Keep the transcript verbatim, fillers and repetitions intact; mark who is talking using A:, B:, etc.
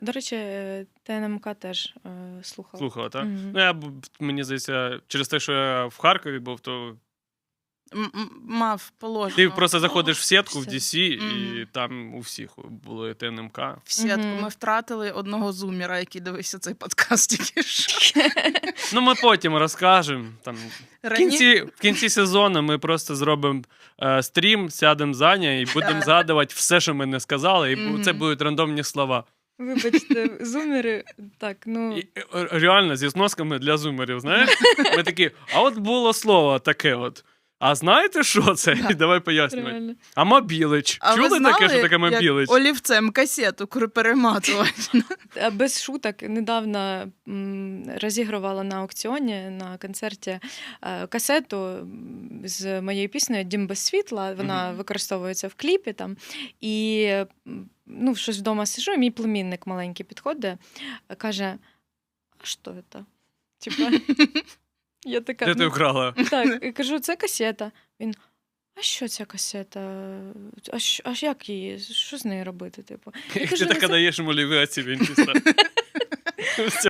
A: До речі, е, ТНМК теж е, слухала.
B: Слухала, так?
A: Мгм.
B: Ну, я, б- мені здається, через те, що я в Харкові був, то
C: М- м- Мав положено.
B: ти просто заходиш в сітку в
A: все.
B: ді сі, і
C: Мгм.
B: там у всіх було ТНМК.
C: В сітку.
A: Мгм.
C: Ми втратили одного зумера, який дивився цей подкаст тільки що.
B: Ну, ми потім розкажемо. Там, в,
C: Рані-
B: кінці, в кінці сезону ми просто зробимо е, стрім, сядемо за нею і будемо згадувати все, що ми не сказали, і бу- це
C: Мгм.
B: будуть рандомні слова.
A: Вибачте, зумери, так, ну,
B: І, е, реально, зі зносками для зумерів, знаєш? Ми такі, а от було слово таке от. А знаєте, що це? І давай пояснювати.
A: реально.
B: А мобілич.
C: А ви
B: Чули
C: знали,
B: таке, що таке
C: як
B: мобілич?
C: олівцем касету кр- перематувати?
A: А без шуток, недавно м, розігрувала на аукціоні на концерті е, касету м, з моєю піснею «Дім без світла». Вона
B: Мгм.
A: використовується в кліпі там. І м, ну, щось вдома сижу, і мій племінник маленький підходить, е, каже: а що це? Типа, я така,
B: Де ти
A: ну,
B: вкрала?
A: так, і кажу, це касета. Він: а що ця касета? А, що, а як її? Що з нею робити? Типу? Я
B: Ти
A: кажу,
B: така
A: «Ну, це
B: даєш йому ліві оці, він чисто.